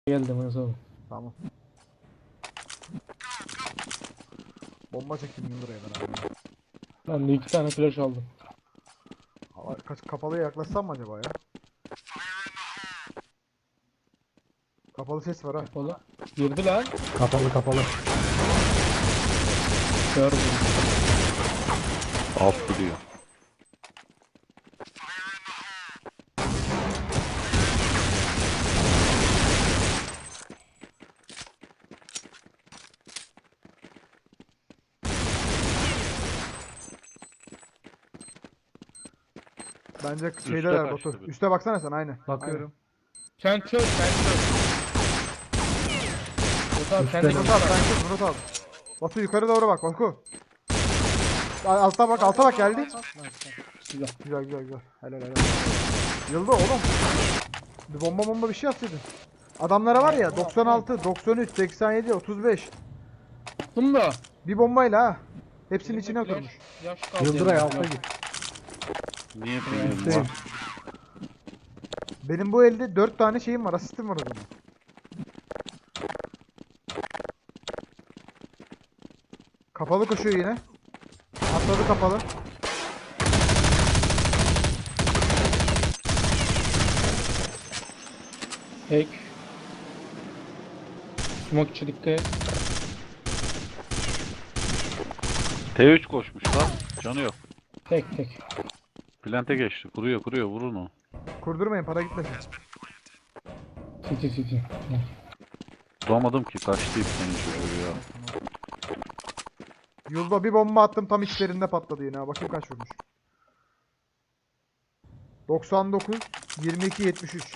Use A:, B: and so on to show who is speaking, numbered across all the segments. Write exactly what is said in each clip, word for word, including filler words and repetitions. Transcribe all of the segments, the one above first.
A: Geldim Enes abi.
B: Tamam. Bomba çektim Yıldıray'a ben abi.
A: Ben de iki tane flash aldım.
B: Hava, kaç kapalıya yaklaşsam mı acaba ya? Kapalı ses var ha.
A: Kapalı. Girdi lan.
C: Kapalı kapalı.
A: Gördüm.
D: Alt duruyor.
B: Bence
D: Üste
B: şeydeler
D: kaçtı
B: Batu.
D: bir.
B: Üste baksana sen aynı.
C: Bakıyorum.
A: Sen çöz, sen çöz. Murat abi sen de
C: Üstten
B: Murat abi sen kız Murat abi. Batu yukarı doğru bak Batu. Al- Alta bak alta bak geldi.
A: Güzel.
B: Güzel güzel güzel. Helal helal. Yıldı oğlum. Bir bomba bomba bir şey atsaydın. Adamlara var ya doksan altı, doksan üç, seksen yedi, otuz beş.
A: Attım da.
B: Bir bombayla ha. Hepsinin
A: Elimde
B: içine
A: flash,
B: oturmuş.
A: Yaş kaldı.
C: Yıldıray
A: yani.
C: alta git.
D: Niye
A: Evet.
D: bilmiyorum
C: Üstteyim.
D: var.
B: Benim bu elde dört tane şeyim var. Asistim var o zaman. Kapalı koşuyor yine. Atladı kapalı.
A: Tek. Smoke içi dikkat et.
D: T üç koşmuş lan. Canı yok.
A: Tek tek.
D: Plante geçti. Kuruyor kuruyor vurun o.
B: Kurdurmayın para gitmesin.
A: City city.
D: Duramadım ki kaçtı senin çocuğu ya.
B: Yulba bir bomba attım tam içlerinde patladı yine. ha. Bakayım kaç vurmuş. doksan dokuz, yirmi iki, yetmiş üç.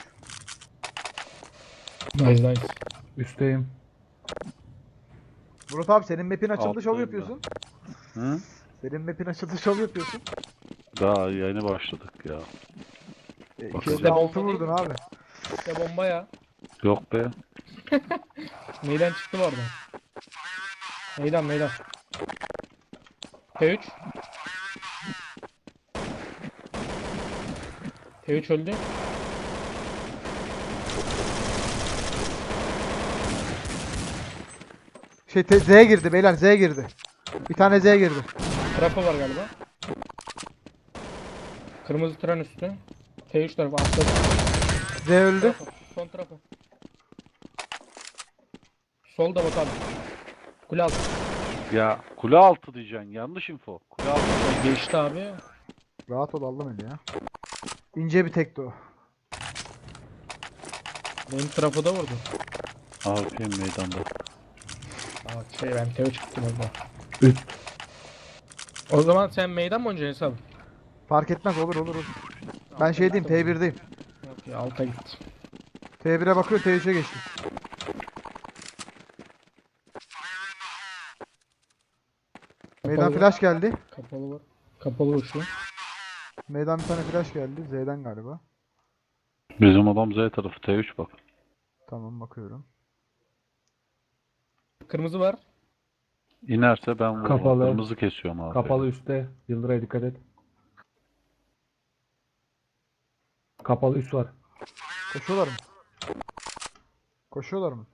A: Nice nice.
C: Üstteyim.
B: Murat abi senin map'in açıldı şov
D: Alttayım
B: yapıyorsun.
D: Hı?
B: Senin map'in açıldı şov yapıyorsun.
D: Daha yeni başladık ya.
B: E,
D: Bak
B: iki
D: işte
B: altı
A: bomba
B: vurdun
A: değil
B: abi.
A: İşte bomba ya.
D: Yok be.
A: Meydan çıktı mı oradan? Meydan meydan. T üç. T üç öldü.
B: Şey te- Z'ye girdi beyler Z'ye girdi. Bir tane Z'ye girdi.
A: Trafo var galiba. Kırmızı tren üstü. T üç tarafı atladı.
B: Z öldü.
A: Trafo. Son trafo. Solda bak abi. Kule altı.
D: Ya kule altı diyeceksin. Yanlış info. Kule altı.
A: Geçti abi.
B: Rahat ol aldım eli ya. İnce bir tekti o.
A: Benim trafoda vurdu.
D: A P meydanda.
A: Aa şey ben T üç çıktım orada.
C: Üst.
A: O zaman sen meydan mı oynayacaksın hesabı?
B: Fark etmez olur olur olur. Ben şey diyeyim T birdeyim.
A: Yok ya alta git.
B: T bire bakıyor T üçe geçti. Meydan
A: Kapalı.
B: flash geldi.
A: Kapalı var. Kapalı uçlu.
B: Meydan bir tane flash geldi. Z'den galiba.
D: Bizim adam Z tarafı T üç bak.
B: Tamam bakıyorum.
A: Kırmızı var.
D: İnerse ben vururum.
C: Kapalı.
D: Kırmızı kesiyorum abi.
C: Kapalı üstte. Yıldıray'a dikkat et. Kapalı üst var.
B: Koşuyorlar mı? Koşuyorlar mı?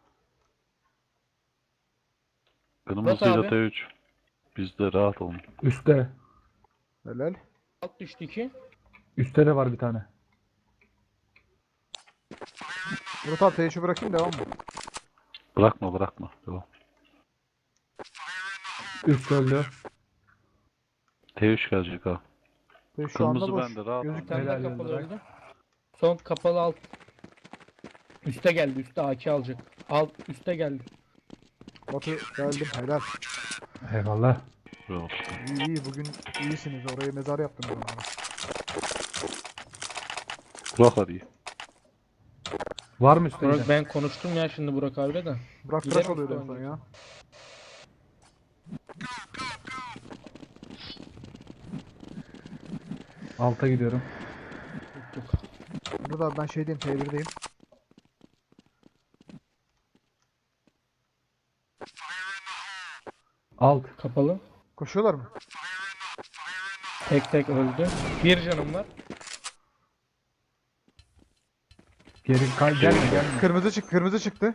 D: Kırmızıyla
A: abi.
D: T üç. Biz de rahat olun.
C: Üstte.
B: Helal.
A: Alt düştü iki.
C: Üstte de var bir tane.
B: Murat abi T üçü bırakayım devam mı?
D: Bırakma bırakma. Devam.
C: Üst öldü.
D: T üç gelecek ha.
B: T üç şu anda
D: Kırmızı
B: boş.
D: bende rahat ol.
B: Gözükmüyor.
A: Bir tane daha
C: Helal
A: kapalı
C: Yıldıray.
A: öldü. Son kapalı alt. Üste geldi. Üste A K alacak. Alt üste geldi.
B: Batu geldim helal.
C: Eyvallah.
D: Yok.
B: İyi iyi bugün iyisiniz. Oraya mezar yaptınız onlara.
D: Kulak arıyor.
C: Var mı üstte?
A: Burak,
C: yine?
A: ben konuştum ya şimdi Burak abiyle de.
B: Burak
A: Giderim
B: tıraş oluyordu en
A: üstte
B: son
A: önce.
B: ya.
C: Alta gidiyorum.
A: Tuttuk.
B: Burada abi ben şey diyeyim T birdeyim.
C: Alt.
A: Kapalı.
B: Koşuyorlar mı?
A: Tek tek öldü. Bir canım var.
C: Geri kay gelme gelme.
B: Kırmızı çık, kırmızı çıktı.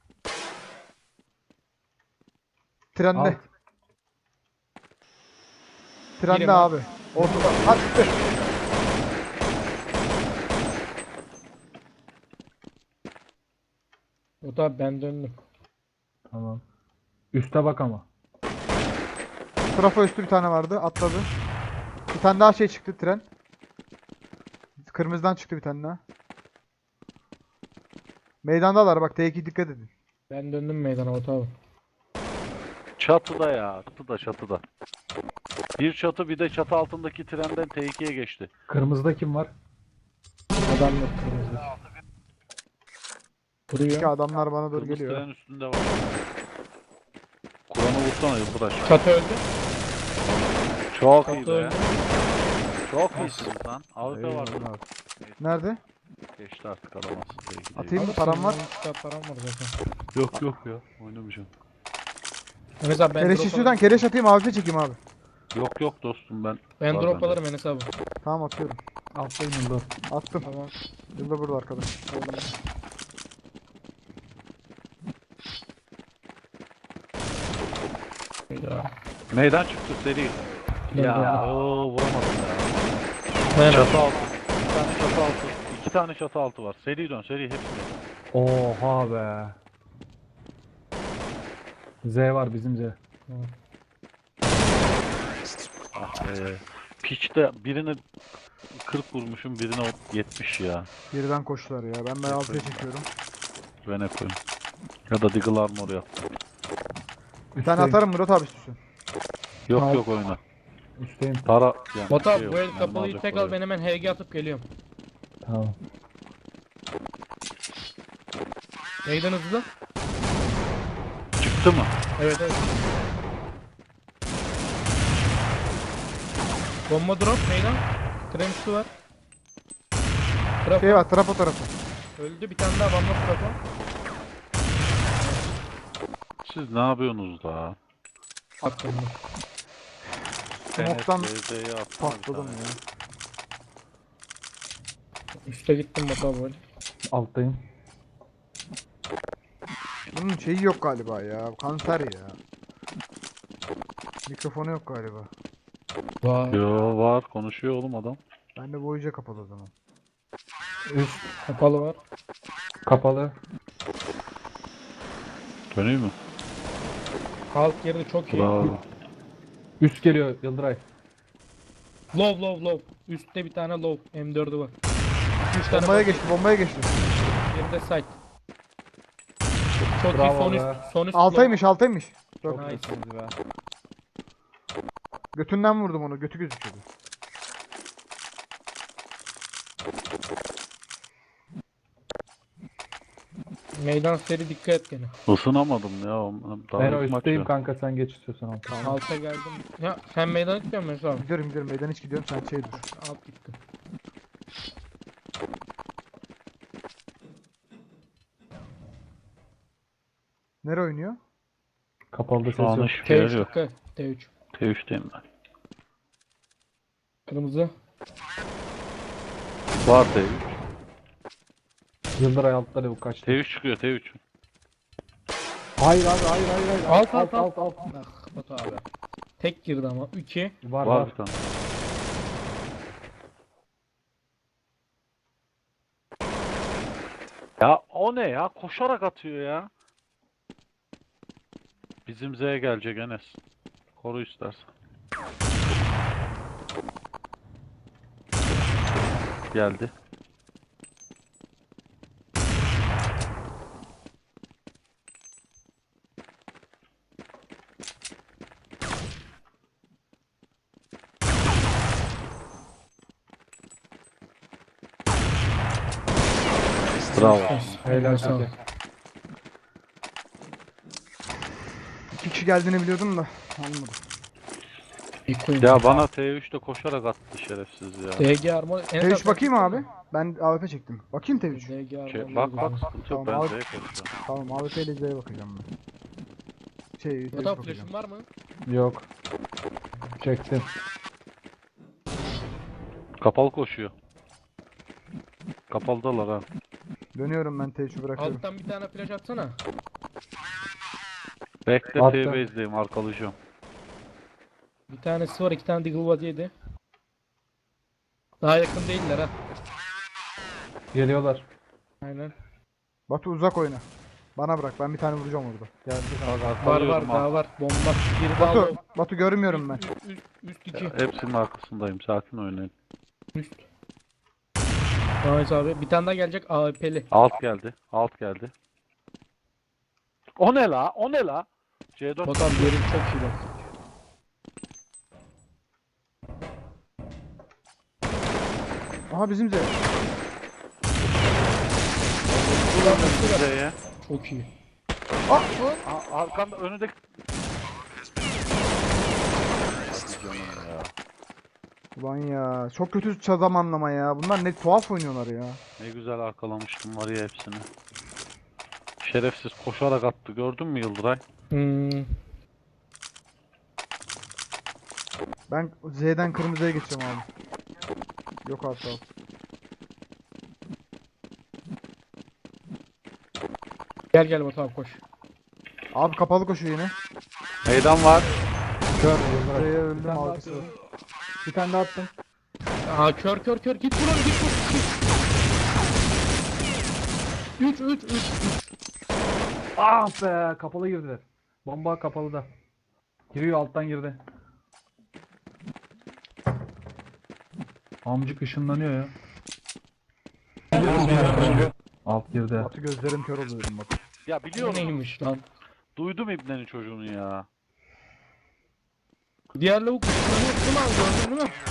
B: Trende.
C: Alt.
B: Trende
A: Birim
B: abi. Ortada. Attı.
A: O da ben döndüm.
C: Tamam. Üste bak ama.
B: Trafo üstü bir tane vardı. Atladı. Bir tane daha şey çıktı tren. Kırmızıdan çıktı bir tane daha. Meydandalar bak T iki dikkat edin.
A: Ben döndüm meydana Batu abi.
D: Çatıda ya. Çatıda çatıda. Bir çatı bir de çatı altındaki trenden T ikiye geçti.
C: Kırmızıda kim var?
A: Adam yok kırmızı.
B: İki
A: Vuruyor.
B: adamlar bana doğru
D: Kırmızı
B: geliyor.
D: tren üstünde var. Kur'an'ı vursana Yıldıraş.
A: Çatı öldü.
D: Çok iyi
A: Çatı
D: be.
A: öldü.
D: Çok iyisin lan. A W P var.
B: Eyvallah. Nerede?
D: Geçti artık alamazsın T iki.
B: Atayım mı?
A: Alırsın,
B: Param var.
A: on üç param var zaten.
D: Yok yok ya. Oynamayacağım.
A: Enes abi ben
B: Kereş
A: drop
B: istiyorsan
A: alırım.
B: kereş atayım A W P çekeyim abi.
D: Yok yok dostum ben.
A: Ben
D: Var
A: drop
D: bende.
A: alırım Enes abi.
B: Tamam atıyorum.
C: Alttayım Yıldır.
B: Attım.
A: Tamam.
B: Yılda burada arkadaş.
A: Ya.
D: Meydan çıktı seri. Ya ooo vuramadım ya.
A: Ben
D: Çatı altı. Bir tane çatı altı. İki tane çatı altı var. Seri dön seri hepsini.
C: Oha be. Z var bizim Z.
D: Ah be. Piçte birine kırk vurmuşum birine yetmiş ya.
B: Geriden koştular ya. Ben ben A W P çekiyorum.
D: Ben hep koyayım. Ya da Deagle Armor yap.
B: Bir tane
C: Üstteyim.
B: atarım Murat abi istiyorsun.
D: Yok
A: Tamam.
D: yok oyna.
C: Üstteyim.
D: Tara yani
A: Batu
D: şey
A: abi
D: yok,
A: bu el
D: mermi
A: kapalıyı
D: alacak
A: tek
D: para
A: al ben hemen H G atıp geliyorum.
C: Tamam.
A: Meydan hızlı.
D: yok. Çıktı mı?
A: Evet evet. Bomba drop meydan. Tren üstü var. Trafo
B: Şey var trafo tarafı.
A: öldü bir tane daha bomba trafo.
D: Siz ne yapıyorsunuz da?
A: Attım.
B: Smoke'tan
D: N S D Z'ye atsana bir
B: patladım
D: tane.
B: ya.
A: Üste gittim Batu abi böyle.
C: Alttayım.
B: Bunun şeyi yok galiba ya. Kanser ya. Mikrofonu yok galiba.
A: Vay.
D: Yo var konuşuyor oğlum adam.
B: Ben de boyunca kapalı o zaman.
C: Üst
A: Kapalı var.
C: kapalı.
D: Dönüyor mu?
A: Halk girdi çok iyi.
D: Bravo.
C: Üst geliyor Yıldıray.
A: Low low low. Üstte bir tane low. M dördü var. üç tane
B: Bombaya
A: bot,
B: geçti, bombaya geçti.
A: geride site. Çok iyi
C: Bravo
A: son
C: be.
A: üst. Son üst
B: Altaymış, altaymış.
C: Çok
A: Nice.
C: iyisiniz be.
B: Götünden vurdum onu, götü gözüküyordu.
A: low. Meydan seri dikkat et gene.
D: Isınamadım ya. Daha
C: Ben o
D: ilk maç
C: üstteyim
D: ya.
C: kanka sen geç istiyorsan alta.
A: Alta geldim. Ya sen meydan gitmiyor musun Mesut abi?
B: Gidiyorum gidiyorum, meydan hiç gidiyorum, sen şey dur.
A: Alt gittim.
B: Nere oynuyor?
C: Kapalıda ses
D: Şu an
C: yok.
D: hiçbir
A: T
D: yer
A: üç
D: yok.
A: dikkat. T üç.
D: T üçteyim ben.
A: Kırmızı.
D: Var T üç.
C: Yıldıray altta lavuk kaçtı.
D: T üç çıkıyor T üç.
C: Hayır abi hayır hayır hayır.
A: Alt, alt, alt.
C: alt.
A: Ah Batu abi. Tek girdi ama. iki.
C: Var
D: Var
C: var.
D: bir tane. Ya o ne ya? Koşarak atıyor ya. Bizim Z'ye gelecek Enes. Koru istersen. Geldi. Bravo.
C: Helal
A: Sağ ol.
C: olsun.
B: İki kişi geldiğini biliyordum da almadım.
A: İlk oyun.
D: Ya bana T üçte koşarak attı şerefsiz ya.
A: D G armor.
B: T üç bakayım abi. Ben A W P çektim. Bakayım T üç.
A: D G armor.
D: Şey, bak bak sıkıntı yok
B: Tamam,
D: ben
B: al.
D: Z'ye koşacağım.
B: Tamam, A W P ile Z'ye bakacağım ben. Şey, T üç
A: Batu abi
B: bakacağım.
A: flash'ın var mı?
C: Yok. Çektim.
D: Kapalı koşuyor. Kapalıdalar ha.
B: Dönüyorum ben T üçü bırakıyorum.
A: Alttan bir tane flash atsana.
D: Bekle
C: Attım.
D: T base'deyim arkalayacağım.
A: Bir tanesi var, iki tane Deagle Body yedi. Daha yakın değiller ha.
C: Geliyorlar.
A: Aynen.
B: Batu uzak oyna. Bana bırak, ben bir tane vuracağım orada.
C: Geldi.
D: Bak
A: Var var,
D: arkalıyorum ha.
A: daha var. Bomba. Biri daha
B: Batu,
A: low.
B: Batu görmüyorum ben.
A: Üst, üst, üst iki.
D: Hepsinin arkasındayım. Sakin oynayın.
A: Üst. Nice abi. Bir tane daha gelecek A W P'li.
D: Alt geldi. Alt geldi. O ne la? O ne la? C dört.
A: Botan yerin çok iyi bak.
B: Aha bizim Z.
D: Z'ye.
A: Çok iyi.
B: Ah!
D: A- Arkanda önündeki. Canım ya.
B: Ulan ya, çok kötü zamanlama ya. Bunlar ne tuhaf oynuyorlar ya.
D: Ne güzel arkalamıştım var ya hepsini. Şerefsiz koşarak attı. Gördün mü Yıldıray?
A: Hmm.
B: Ben Z'den kırmızıya geçeceğim abi. Yok abi, sağ ol.
A: Gel gel Botan abi koş.
B: Abi kapalı koşuyor yine.
D: Meydan var.
C: Kör.
B: Z'ye
C: Yıldıray. Bir
B: öldüm,
C: tane daha
B: arkası var.
C: attım. Bir tane daha attım.
A: Aa kör kör kör. Git vur onu, git vur. üç üç üç.
C: Ah be, kapalı girdiler. Bomba kapalı da. Giriyor, alttan girdi. Amcık ışınlanıyor ya. Alt girdi.
B: Batu gözlerim kör oluyorum Batu.
D: Ya
A: Bu
D: biliyorum.
A: neymiş lan?
D: Duydum İbne'nin çocuğunu ya.
A: Diğer lavuk ışınlanıyor. Kim aldı, gördün değil mi?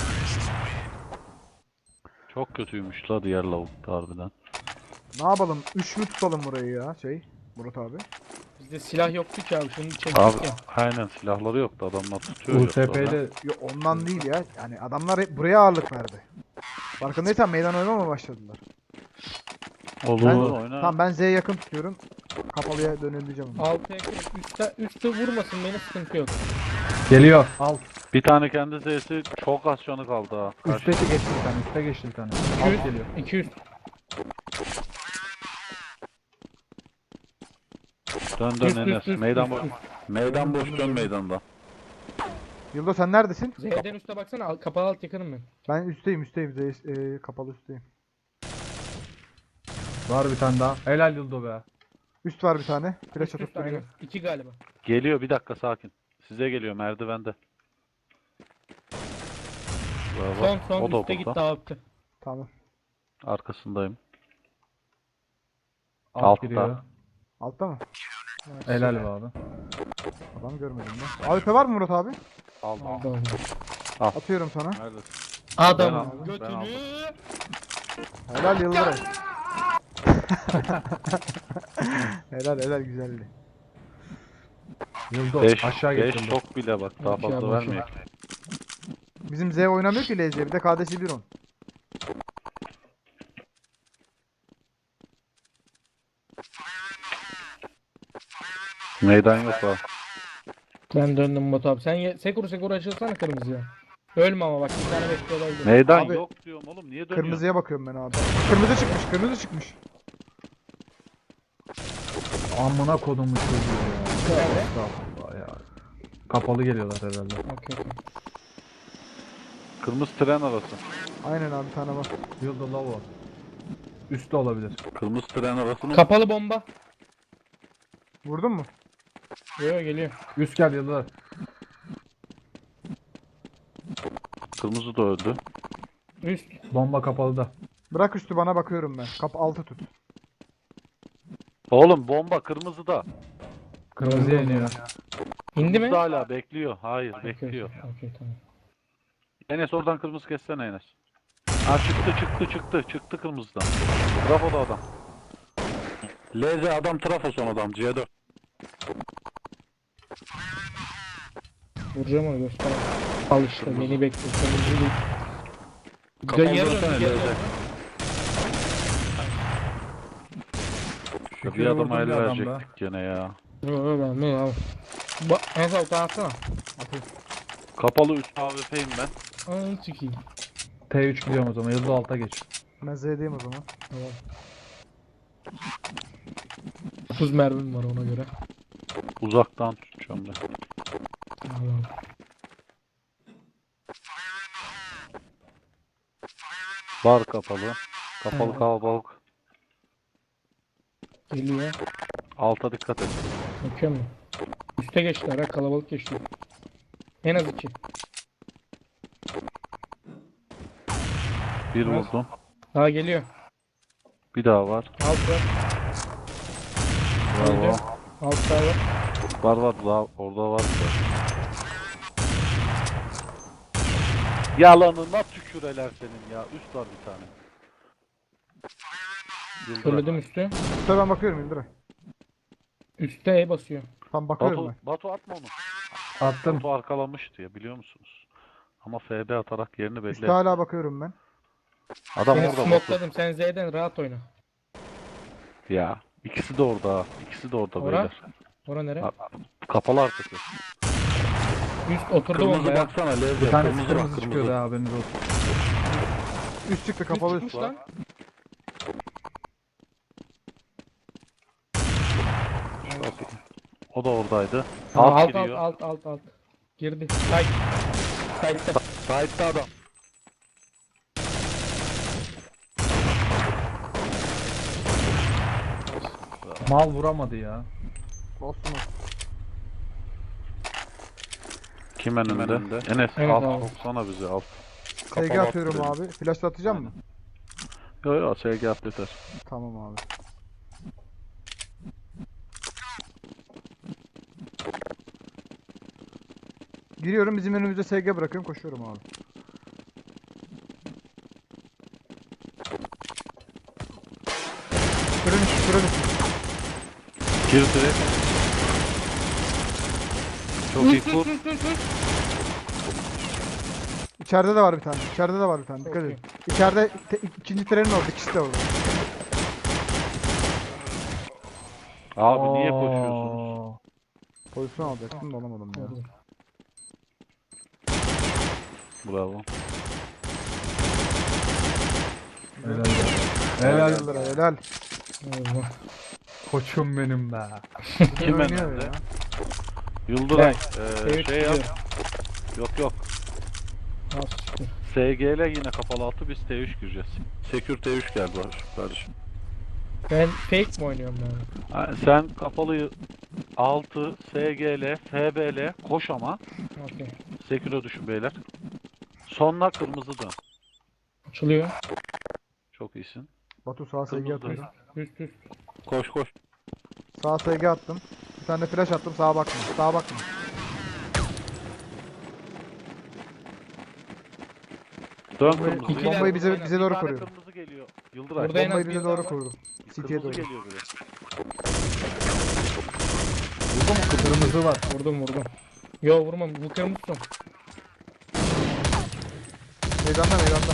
D: Çok kötüymüş la diğer lavuk da harbiden.
B: Ne yapalım? üç mü tutalım burayı ya şey? Murat abi.
A: Bizde silah yoktu ki abi, şunu çektik
D: Abi
A: ya.
D: aynen silahları yoktu adamlar tutuyor.
C: U
D: yoksa
C: S P
D: da.
C: ile
B: Yo, ondan değil ya. Yani adamlar hep buraya ağırlık verdi. Farkındaysan meydan oynamaya başladılar.
D: Olur
B: Ben-
D: oyna.
B: Tamam, ben Z'ye yakın tutuyorum. Kapalıya dönüleceğim. onu.
A: Altıya kırıp üstte, üstte vurmasın beni, sıkıntı yok.
C: geliyor. Alt.
D: Bir tane kendi Z'si çok az canı kaldı ha. Karşı-
C: Üste geçti bir tane. Üste geçti bir tane.
A: iki
C: Alt
A: yüz.
C: geliyor.
A: iki yüz.
D: Dön dön
A: Üst,
D: Enes.
A: üst, üst,
D: Meydan
A: üst,
D: boş.
A: üst.
D: Meydan boş dön meydanda.
B: Yıldo sen neredesin?
A: Z'den üste baksana, al- kapalı alt yakınım ben.
B: Ben üstteyim, üstteyim. Z, e, kapalı üstteyim.
C: Var bir tane daha. Helal Yıldo be.
B: Üst var bir tane. Flash
A: Üst,
B: atıp
A: üst, aynen.
B: duruyor.
A: İki galiba.
D: Geliyor bir dakika sakin. Size geliyor merdivende. Bravo.
A: Son son
D: O da
A: üstte gitti
D: burada.
A: abi.
B: Tamam.
D: Arkasındayım.
C: Alt
D: Altta.
C: giriyor.
B: Altta mı?
C: Helal be abi.
B: Adam görmedim ben. A W P var mı Murat abi?
D: Aldım.
A: Aldı aldı.
B: Atıyorum sana.
D: Neredesin?
A: Adam
D: aldım, ben
A: götünü.
D: aldım.
B: Helal Yıldıray. helal helal, güzeldi.
C: Yıldo
D: beş
C: aşağı
D: beş
C: getirdi.
D: çok bile bak daha
A: Aşağı,
D: fazla
A: aşağı.
D: vermiyor.
B: Bizim Z oynamıyor ki L Z. Bir de K D C bir on.
D: Meydan yok ha.
A: Ben döndüm Batu abi. Sen ye- Sekuru Sekuru açılsana kırmızıya. Ölme ama bak, bir tane bekliyor olabilir.
D: Meydan
B: Abi,
D: yok diyorum oğlum niye dönüyor?
B: Kırmızıya bakıyorum ben abi. Kırmızı çıkmış, kırmızı çıkmış.
C: Amına kodumu çocuğu ya.
A: Nerede?
C: Estağfurullah ya. Kapalı geliyorlar herhalde.
A: Okey okey.
D: Kırmızı tren arası.
B: Aynen abi, bir tane var.
C: Yıldo lavo. Üstte olabilir.
D: Kırmızı tren arasının
A: Kapalı bomba.
B: Vurdun mu?
A: Yo yo, geliyor.
C: Üst gel Yıldo.
D: kırmızı da öldü.
A: Üst.
C: Bomba kapalı da.
B: Bırak üstü, bana bakıyorum ben. Kap altı tut.
D: Oğlum bomba kırmızıda.
C: Kırmızıya iniyor.
A: İndi mi?
D: Kırmızı hala bekliyor. Hayır
A: Okey,
D: bekliyor.
A: Okey okey, tamam.
D: Enes oradan kırmızı kessene Enes. Ha çıktı çıktı çıktı çıktı kırmızıdan. Trafo da adam. L Z adam trafo son adam C dört.
A: Vuracağım onu, göster. Al işte, beni bekliyor. Kırmızı değil.
D: Kapalı
A: Geri dön,
D: dönsene
A: geri
D: L Z.
A: dön.
D: Bir
C: Şükür
D: adama
C: vurdum
D: el
C: bir adam
D: verecektik gene ya.
A: Yo yo, ben ne abi. Bak en son utanasana.
D: Kapalı üst A W P'yim ben.
A: Ananı sikeyim.
C: T üç gidiyorum o zaman. Yıldo alta geç.
B: Ben Z'deyim o zaman.
A: Tamam. otuz mermim var ona göre.
D: Uzaktan tutacağım ben.
A: Tamam.
D: Bar kapalı. Kapalı
A: Evet.
D: kalabalık.
A: Geliyor.
D: Alta dikkat et.
A: Bakıyor mu? Üste geçtiler ha, kalabalık geçti. En az iki.
D: Bir
A: Evet.
D: vurdum.
A: Daha geliyor.
D: Bir daha var.
A: Alt var.
D: Bravo.
A: Öldü. Alt daha var.
D: Var var daha orada var. bir de. Yalanına tüküreler senin ya. Üst var bir tane. Yıldıray.
A: Söyledim üstü.
B: Üste ben bakıyorum Yıldıray.
A: Üste E basıyor.
B: Tam bakıyorum
D: Batu,
B: ben.
D: Batu atma onu.
C: Attım.
D: Batu arkalamıştı ya biliyor musunuz? Ama F B atarak yerini belli
B: Üste
D: etti.
B: hala bakıyorum ben.
D: Adam
A: Seni
D: orada Batu.
A: smokladım. Sen Z'den rahat oyna.
D: Ya ikisi de orada. İkisi de orada
A: Ora?
D: beyler.
A: Ora nere?
D: Ha, Kapalı arkası.
A: Üst oturdu
D: Kırmızı
A: bombaya.
D: baksana Levde.
C: Bir tanesi
D: kırmızı,
C: kırmızı
D: bak,
C: çıkıyordu ha, haberiniz olsun.
B: Üst çıktı kapalı üst.
A: Çıkmış lan.
D: Çok iyi. O da oradaydı.
A: Aa,
D: Alt
A: alt alt
D: giriyor.
A: alt alt alt. Girdi. Side. Side'de.
D: Side'da adam.
C: Mal vuramadı ya.
B: Olsun olsun.
D: Kim önünde? Enes
A: Evet
D: alt
A: abi.
D: soksana bizi alt.
B: S
D: Kapalı
B: G
D: alt
B: atıyorum
D: girelim.
B: abi. Flash atacağım mı?
D: Yo yo S G at yeter.
B: Tamam abi. Giriyorum, bizim önümüzde S G bırakıyorum, koşuyorum abi. Fırın içi, fırın içi.
D: Girdi. Çok iyi kur.
B: İçeride de var bir tane. İçeride de var bir tane. Dikkat
A: Okey.
B: edin. İçeride te- ikinci trenin orada. İkisi de orada.
D: Abi niye koşuyorsunuz?
C: Oo.
B: Pozisyon alacaktım da alamadım ya.
A: Oldu.
D: Bravo.
C: Helal.
B: Helal
C: Helal.
B: Yıldıray, helal.
A: Allah.
C: Koçum benim be.
D: Kim
B: Oynuyor
D: önünde?
B: ya.
D: Yıldıray.
A: Evet,
D: Eee şey yap.
A: gidiyor.
D: Yok yok.
A: Nasıl çıktı?
D: S G L yine kapalı altı biz T üç gireceğiz. Secure T üç geldi var kardeşim.
A: Ben fake mi oynuyorum yani?
D: Ha, sen kapalı altı S G L, F B L koş ama
A: Okey.
D: Secure'a düşün beyler. Sonuna kırmızı dön.
A: Açılıyor.
D: Çok iyisin.
B: Batu sağa S G
D: Kırmızı
B: atıyorum.
D: dön.
A: Üst üst.
D: Koş koş.
B: Sağa S G attım. Bir tane de flash attım, sağa bakma. Sağa bakma.
D: Dön
B: Bombayı-
D: kırmızı.
A: İki
B: Bombayı
A: de-
B: bize
A: aynen.
B: bize
D: Bir
B: doğru
D: tane
B: kuruyorum.
D: kırmızı geliyor. Yıldıray.
A: Burada en az
B: Bombayı
A: bir
B: bize
A: daha
B: doğru
A: var.
B: kurdum. City'ye
D: Kırmızı
B: doğru.
D: geliyor bile.
C: Kırmızı var.
A: Vurdum vurdum. Yo vurmam. Bu kırmızı son.
B: Meydanda meydanda.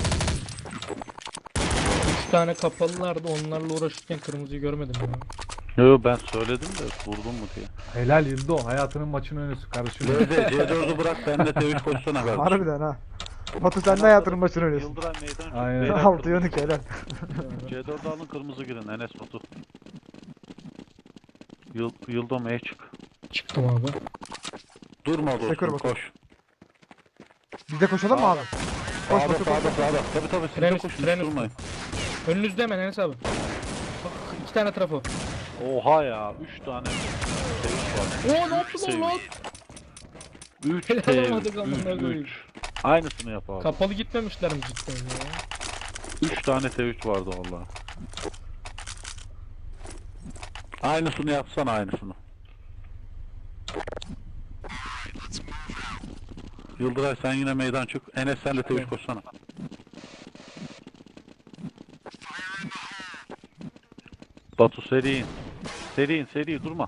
A: Üç tane kapalılardı. Onlarla uğraşırken kırmızıyı görmedim ya.
D: Yo ben söyledim de vurdun mu diye.
C: Helal Yıldo. Hayatının maçın önüsü kardeşim.
D: Levde C dördü bırak sen de T üç koşsana kardeşim.
B: Harbiden ha. Batu sen de hayatının başına oynuyorsun.
D: Yıldıray meydan.
C: Aynen.
D: Beyler
B: altı
D: kırmızı.
B: yanık helal.
D: C dördü alın kırmızı girin Enes Batu. Yıl, Yıldo M'ye çık.
A: Çıktım abi.
D: Durma
B: Sekür
D: dostum
B: bakalım.
D: koş.
B: Biz de koşalım mı abi? Koş
D: Sağda
B: Batu koş.
D: sağda sağda. Tabi tabi siz
A: Tren
D: de
A: üstü,
D: koşun
A: tren
D: hiç
A: üstü.
D: durmayın.
A: Önünüzde hemen Enes abi. Bak iki tane trafo.
D: Oha ya üç tane T üç var.
A: Oo ne yaptın lan?
D: üç
A: Helal
D: T
A: olmadı
D: üç.
A: amına koyayım.
D: üç. Aynısını yap abi.
A: Kapalı gitmemişler mi cidden ya?
D: üç tane T üç vardı valla. Aynısını yapsana aynısını. Yıldıray sen yine meydan çık. Enes sen de T üç koşsana. Batu seri in. Seri in seri durma.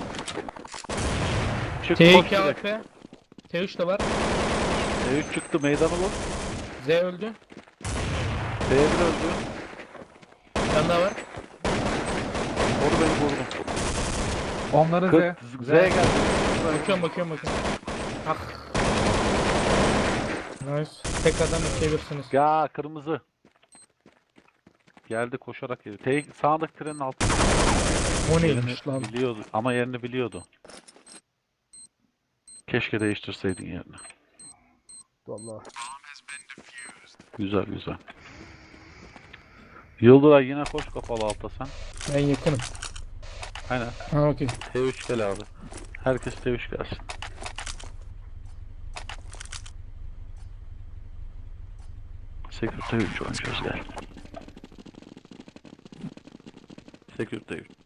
D: Çık
A: T
D: koş
A: iki
D: direkt.
A: A P. T üç de var.
D: T üç çıktı meydanı vur.
A: Z öldü.
D: T bir öldü.
A: Bir tane daha var.
D: Onu beni vurdum.
C: Onları
D: Kırk-
C: Z.
D: Z geldi.
A: Bakıyorum bakıyorum bakıyorum. Ah. Nice. Tekrardan çevirsiniz.
D: Ya kırmızı. Geldi koşarak geldi. T sağındaki trenin altında.
A: O
D: Yerini
A: neymiş lan?
D: biliyordu ama yerini biliyordu. Keşke değiştirseydin yerini.
B: Vallahi.
D: Güzel güzel. Yıldıray yine koş kapalı alta sen.
A: Ben yakınım.
D: Aynen.
A: Ha okey.
D: T üç gel abi. Herkes T üç gelsin. Secure T üç oynayacağız gel. Secure T üç.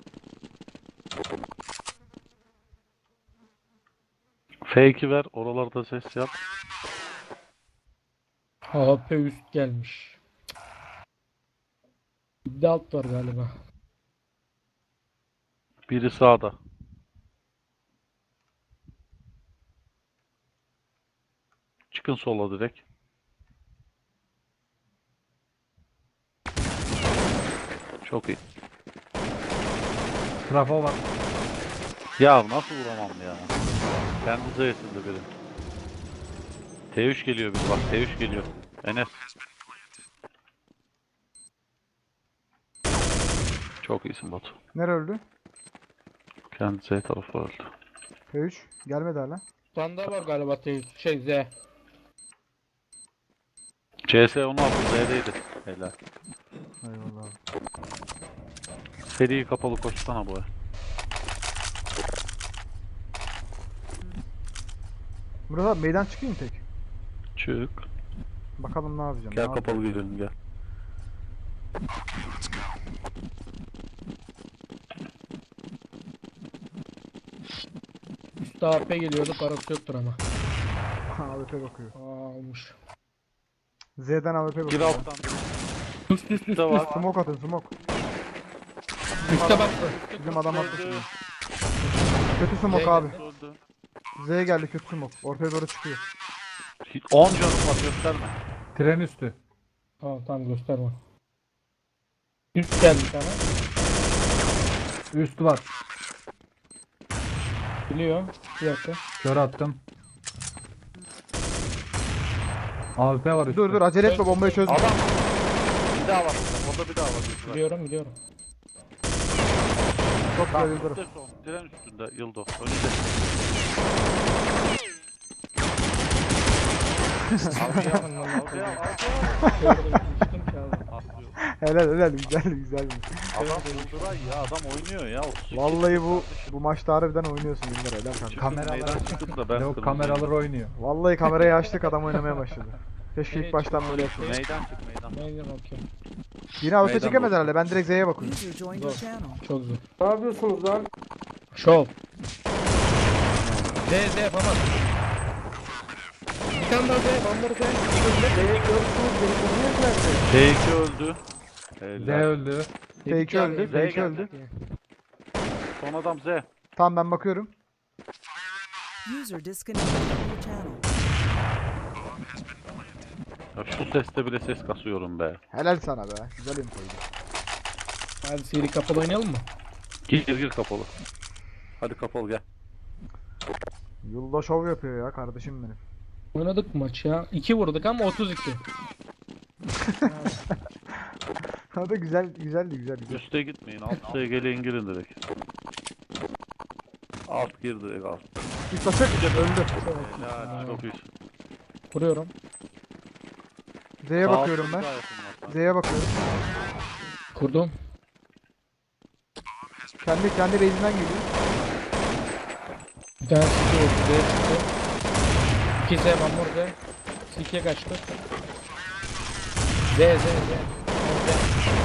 D: F iki ver. Oralarda ses yap.
A: A P üst gelmiş. Bir de alt var galiba.
D: Biri sağda. Çıkın sola direkt. Çok iyi.
C: Trafo var.
D: Ya nasıl vuramam ya? Kendi zayıfında biri. T üç geliyor bir bak. T üç geliyor. Enes. Çok iyisin Batu.
B: Nere öldü?
D: Kendi Z tarafı öldü.
B: P üç. Gelmedi hala.
A: Sanda var galiba T şey Z.
D: C S onu aldı. Z'deydi. Helal.
B: Eyvallah abi.
D: Seri kapalı koşsana bu.
B: Murat abi meydan çıkayım tek.
D: Çık.
B: Bakalım ne yapacağım.
D: Gel
B: ne
D: kapalı
B: yapacağım.
D: gidelim gel.
A: Üstte A P geliyordu, parası yoktur ama.
B: A W P bakıyor.
A: Aa almış.
B: Z'den A W P
D: Gir
B: bakıyor.
D: alttan.
A: Üst üst üst
D: de var.
A: üst.
B: Smoke atın smoke.
A: Üste bak.
B: Bizim adam attı
D: Öldü.
B: şimdi. Kötü smoke
A: Z
B: abi.
D: Öldü.
B: Z geldi kötü smoke. Ortaya doğru çıkıyor.
D: on canım var gösterme.
C: Tren üstü.
A: Tamam tamam gösterme. Üst geldi bir tane.
C: Üst var.
A: Biliyor. Bir dakika.
C: Kör attım. A W P var üstte.
B: Dur dur acele etme bombayı çözme.
D: Adam. Bir daha var. Orada bir daha var. Göster.
A: Biliyorum biliyorum.
B: Çok güzel
D: Tamam,
B: yıldırım.
D: üstte son. Tren üstünde Yıldo. Önünde. Algıya bak. Algıya algıya.
A: Düştüm ki abi.
D: Atlıyor.
B: Helal helal güzel güzel.
D: Adam Yıldıray ya adam oynuyor ya. otuz iki
B: Vallahi bu
D: kardeşim.
B: bu maçta harbiden oynuyorsun Yıldır helal kanka.
D: Çıktım,
C: Kameralar-
D: meydan çıktım da ben
C: Yok
D: kırmızıyım.
C: kameralar oynuyor.
B: Vallahi kamerayı açtık adam oynamaya başladı. Keşke ilk baştan böyle yapsaydı.
D: Meydan çık meydan.
A: Meydan okey.
B: Yine A W P
D: Meydan
B: çekemedi
D: boş.
B: herhalde. Ben direkt Z'ye bakıyorum.
E: User joined your channel.
A: Çok zor.
F: Ne yapıyorsunuz lan?
A: Şov. Z Z yapamaz. Bir tane daha Z. Bambaru Z.
F: Beni gördünüz, beni gördünüz nerede?
D: T iki öldü.
C: Z
D: Helal.
C: öldü.
B: F iki öldü.
D: Z
B: F iki
D: geldi.
B: öldü.
D: Son adam Z.
B: Tamam ben bakıyorum.
E: User disconnected from your channel.
D: Ya şu seste bile ses kasıyorum be.
B: Helal sana be. Güzel infoydu.
A: Hadi seri kapalı oynayalım mı?
D: Gir gir gir kapalı. Hadi kapalı gel.
B: Yılda şov yapıyor ya kardeşim benim.
A: Oynadık mı maç ya? iki vurduk ama otuz iki.
B: Hadi güzel güzeldi güzel güzel.
D: Üste gitmeyin. Alt S gelin girin direkt. Alt gir direkt alt.
B: Bir taşak öldü.
D: Helal çok iyi.
A: Vuruyorum.
B: Z'ye
D: Sağ
B: bakıyorum
D: altta
B: ben.
D: bir daha yakın var.
B: Z'ye bakıyorum.
A: Kurdum.
B: Kendi kendi base'inden geliyor.
A: Bir tane siki vurdu. Z çıktı. iki Z Bambur Z. Sikiye kaçtı. Z Z Z. Z.